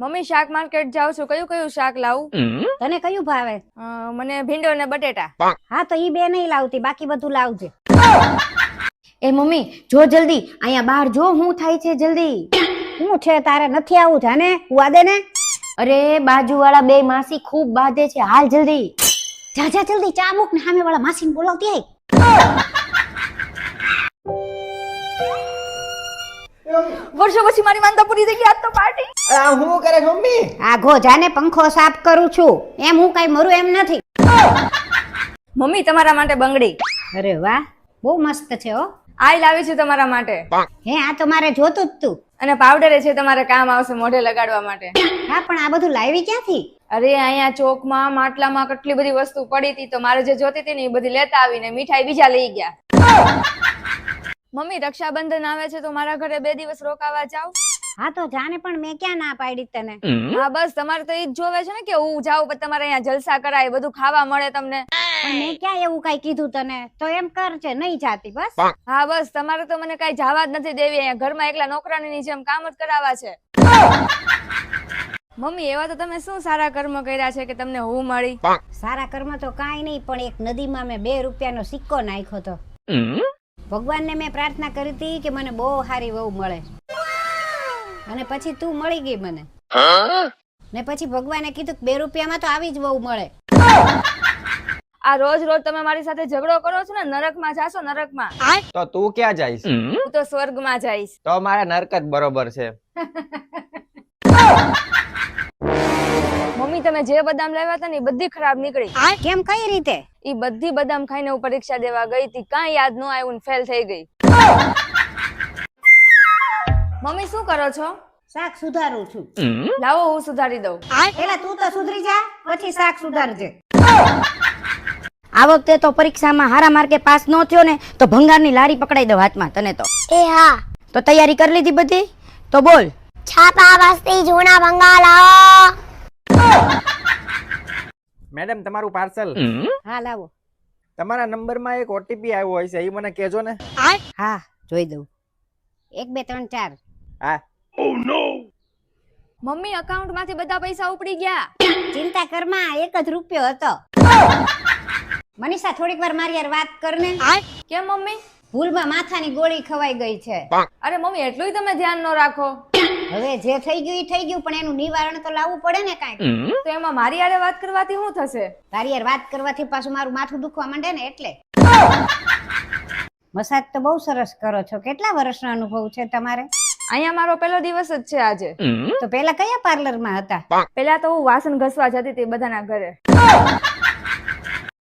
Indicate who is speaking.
Speaker 1: Mummy શાક market જાઉં છું, કયું કયું શાક લાવું?
Speaker 2: તને કયું ભાવે?
Speaker 1: મને ભીંડો ને બટેટા.
Speaker 2: હા તો ઈ બે નહીં લાવતી, બાકી બધું લાવજે.
Speaker 3: એ મમ્મી જો જલ્દી, અહીંયા બહાર જો હું થાય છે જલ્દી.
Speaker 2: શું છે તારે? નથી આવું? જાને ઉવા દે ને.
Speaker 3: અરે બાજુવાળા બે માસી ખૂબ બાંધે છે, હાલ જલ્દી.
Speaker 2: જા જા જલ્દી, ચા મૂક ને સામે વાળા માસીને બોલાવતી આય.
Speaker 1: વર્ષો પછી મારી માનતા પૂરી થઈ ગઈ, આજ તો પાર્ટી.
Speaker 4: આ હું કરે મમ્મી?
Speaker 2: આઘો જાને, પંખો સાફ કરું છું. એમ હું કઈ મરું એમ નથી.
Speaker 1: મમ્મી તમારા માટે બંગડી.
Speaker 2: અરે વાહ, બહુ મસ્ત છે હો.
Speaker 1: આ લાવી છું તમારા માટે.
Speaker 2: હે, આ તો મારે જોતું જ તું.
Speaker 1: અને પાવડર છે, તમારે કામ આવશે મોઢે લગાડવા માટે.
Speaker 2: હા પણ આ બધું લાવી ક્યાંથી?
Speaker 1: અરે અહીંયા ચોકમાં માટલામાં કેટલી બધી વસ્તુ પડી હતી, તો મારે જે જોતી હતી ને એ બધી લેતા આવીને મીઠાઈ બીજા લઈ ગયા. મમ્મી રક્ષાબંધન આવે છે તો મારા ઘરે 2 દિવસ રોકાવા જાવ.
Speaker 2: હા તો જાને, પણ મેં ક્યાં ના પાડી તને?
Speaker 1: હા બસ તમારે તો ઈ જ જોવે છે ને કે હું જાઉં પછી તમારે અહીંયા જલસા કરાય, બધું ખાવા મળે તમને.
Speaker 2: પણ મેં ક્યાં એવું કઈ કીધું તને? તો એમ કર છે, નહીં જાતી બસ.
Speaker 1: હા બસ તમારે તો મને કઈ જવા જ નથી દેવી, અહીંયા ઘરમાં એકલા નોકરાની જેમ કામ જ કરાવવા છે. મમ્મી એવા તો તમે શું સારા કર્મ કર્યા છે કે તમને હું મળી?
Speaker 2: સારા કર્મ તો કાંઈ નહીં, પણ એક નદીમાં મેં 2 રૂપિયાનો સિક્કો નાખ્યો તો. ભગવાનને મેં પ્રાર્થના કરી હતી કે મને બહુ સારી વહુ મળે, અને પછી તું મળી ગઈ મને. ને પછી ભગવાને કીધું કે 2 રૂપિયામાં તો આવી જ વહુ મળે.
Speaker 1: આ રોજ રોજ તમે મારી સાથે ઝઘડો કરો છો ને, નરકમાં જાશો નરકમાં.
Speaker 4: તો તું ક્યાં જઈશ?
Speaker 1: હું તો સ્વર્ગમાં જઈશ.
Speaker 4: તો મારા નરક જ બરોબર છે.
Speaker 1: મમ્મી તમે જે બદામ લાવ્યા હતા ને એ બધી ખરાબ નીકળી.
Speaker 2: કેમ, કઈ રીતે?
Speaker 1: ઈ બધી બદામ ખાઈને હું પરીક્ષા દેવા ગઈ હતી, કાંઈ યાદ ન આવ્યું ને ફેલ થઈ ગઈ. મમ્મી શું કરો છો?
Speaker 2: શાક સુધારું છું.
Speaker 1: લાવો હું સુધારી દઉં.
Speaker 2: પેલા તું તો સુધરી જા, પછી શાક સુધારજે.
Speaker 3: આ વખતે તો પરીક્ષામાં હારા માર્કે પાસ ન થયો ને તો ભંગારની લારી પકડાઈ દો હાથમાં તને તો.
Speaker 5: એ હા,
Speaker 3: તો તૈયારી કરી લીધી બધી? તો બોલ.
Speaker 5: છાપા વસ્તી જૂના ભંગા લાવો.
Speaker 4: મેડમ તમારું પાર્સલ.
Speaker 2: હા લાવો.
Speaker 4: તમારા નંબરમાં એક ઓટીપી આવ્યો હોય છે, એ મને કહેજો ને.
Speaker 2: હા જોઈ દઉં. 1 2 3 4.
Speaker 4: હા.
Speaker 1: મમ્મી અકાઉન્ટ માંથી બધા પૈસા ઉપડી ગયા.
Speaker 2: ચિંતા કરમાં, 1 જ રૂપિયો હતો. મનીષા થોડીક વાર મારી યાર વાત કરને.
Speaker 1: કેમ મમ્મી?
Speaker 2: ભૂલમાં માથાની ગોળી ખવાઈ ગઈ છે.
Speaker 1: અરે મમ્મી એટલું તમે ધ્યાન ન રાખો.
Speaker 2: હવે જે થઈ ગયું એ થઈ ગયું, પણ એનું નિવારણ તો લાવવું પડે ને કાંઈક.
Speaker 1: તો એમાં મારી હારે વાત કરવાથી શું થશે?
Speaker 2: તારી યાર વાત કરવાથી પાછું મારું માથું દુખવા માંડે ને એટલે. મસાજ તો બહુ સરસ કરો છો. કેટલા વર્ષનો અનુભવ છે તમારે?
Speaker 1: અહીંયા મારો પહેલો દિવસ જ છે આજે.
Speaker 2: તો પેલા કયા પાર્લરમાં હતા?
Speaker 1: પેલા તો હું વાસણ ઘસવા જતી હતી બધાના ઘરે.